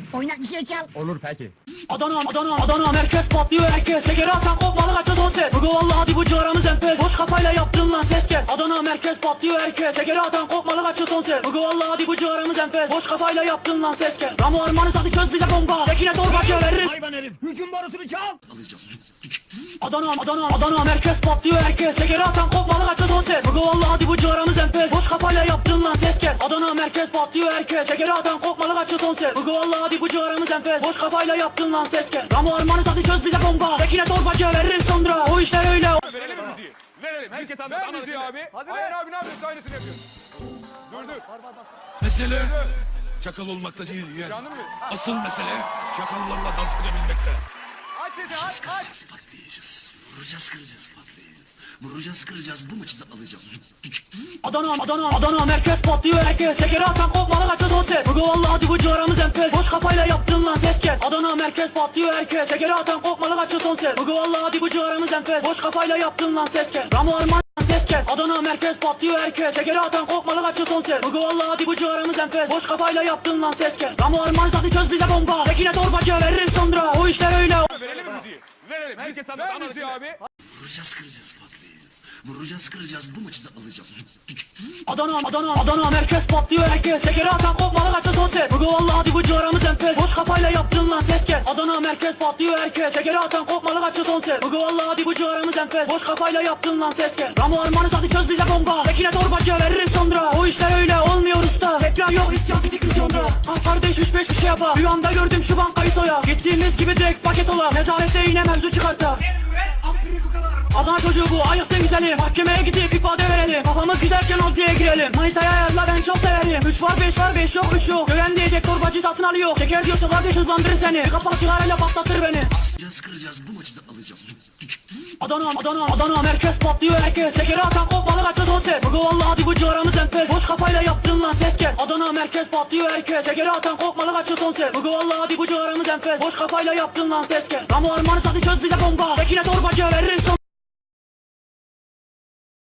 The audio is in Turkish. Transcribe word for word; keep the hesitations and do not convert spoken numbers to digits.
Oynak bir şey çal. Olur peki. Adana, Adana, Adana, merkez patlıyor herkes. Şekeri atan kopmalı kaçıyor son ses. Bugü vallahi hadi bu ciğerimiz enfes. Boş kafayla yaptın lan ses kes. Adana, merkez patlıyor herkes. Şekeri atan kopmalı kaçıyor son ses. Bugü vallahi hadi bu ciğerimiz enfes. Boş kafayla yaptın lan ses kes. Ramo armanız hadi çöz bize bomba. Tekine torbacıya veririz. Hayvan herif. Hücum borusunu çal. Adana, Adana, Adana, merkez patlıyor herkes. Şekeri atan kopmalı kaçıyor son ses. Bugü vallahi hadi bu ciğerimiz enfes. Boş kafayla yaptın lan ses kes. Adana, merkez patlıyor herkes. Şekeri atan kopmalı kaçıyor son ses. Bugü vallahi hadi bu ciğerimiz enfes. Boş kafayla yaptın lan ses kes. Ramo armanız hadi çöz bize bomba. Tekine torbacıya veririz sonra. O işler öyle. Verelim mi müziği? Verelim. Herkes anladı. Ver müziği abi. Hazır Ayhan abi ne yapıyorsun? Aynısını yapıyorsun. Dur dur. Mesele çakal olmakta değil ya. Canım mı? Asıl mesele çakallarla dans edebilmekte. Aç sesi aç aç. Kıracağız, patlayacağız. Vuracağız, kıracağız, patlayacağız. Vuracağız, kıracağız. Bu maçı da alacağız. Adana, Adana, Adana, merkez patlıyor herkes. Şekeri atan kopmalı kaçıyor son ses. Bugü vallahi hadi bu ciğerimiz enfes. Boş kafayla yaptın lan ses kes. Adana, merkez patlıyor herkes. Şekeri atan kopmalı kaçıyor son ses. Bugü vallahi hadi bu ciğerimiz enfes. Boş kafayla yaptın lan ses kes. Ramo arman ses kes. Adana, merkez patlıyor herkes. Şekeri atan kopmalı kaçıyor son ses. Bugü vallahi hadi bu ciğerimiz enfes. Boş kafayla yaptın lan ses kes. Ramo arman hadi çöz bize bomba. Tekine torbacıya veririz sonra. O işler öyle. Verelim mi müziği? Verelim. Herkes anladı. Ver müziği abi. Vuracağız, kıracağız, patlayacağız. Vuracağız, kıracağız. Bu maçı da alacağız. Adana, Adana, Adana, merkez patlıyor herkes. Şekeri atan kopmalı kaçıyor son ses. Bugü vallahi hadi bu ciğerimiz enfes. Boş kafayla yaptın lan ses kes. Adana, merkez patlıyor herkes. Şekeri atan kopmalı kaçıyor son ses. Bugü vallahi hadi bu ciğerimiz enfes. Boş kafayla yaptın lan ses kes. Ramo armanız hadi çöz bize bomba. Tekine torbacıya veririz sonra. O işler öyle olmuyor usta. Tekrar yok isyan dedik biz sonra. Ah kardeş üç beş bir şey yapa. Bir anda gördüm şu bankayı soya. Gittiğimiz gibi direkt paket ola. Nezarette yine mevzu çıkarta. Adana çocuğu bu ayıktı güzeli. Mahkemeye gidip ifade verelim. Kafamız güzelken adliye girelim. Manitaya ayarla ben çok severim. Üç var beş var beş yok üç yok. Gören diyecek torbacı satın alıyor. Şeker diyorsa kardeş hızlandırır seni. Bir kafa cigarayla patlatır beni. Vuracağız, kıracağız. Bu maçı da alacağız. Adana, Adana, Adana, merkez patlıyor herkes. Şekeri atan kopmalı kaçıyor son ses. Bugü vallahi hadi bu ciğerimiz enfes. Boş kafayla yaptın lan ses kes. Adana, merkez patlıyor herkes. Şekeri atan kopmalı kaçıyor son ses. Bugü vallahi hadi bu ciğerimiz enfes. Boş kafayla yaptın lan ses kes. Ramo armanız hadi çöz bize bomba. Tekine torbacıya veririz sonra.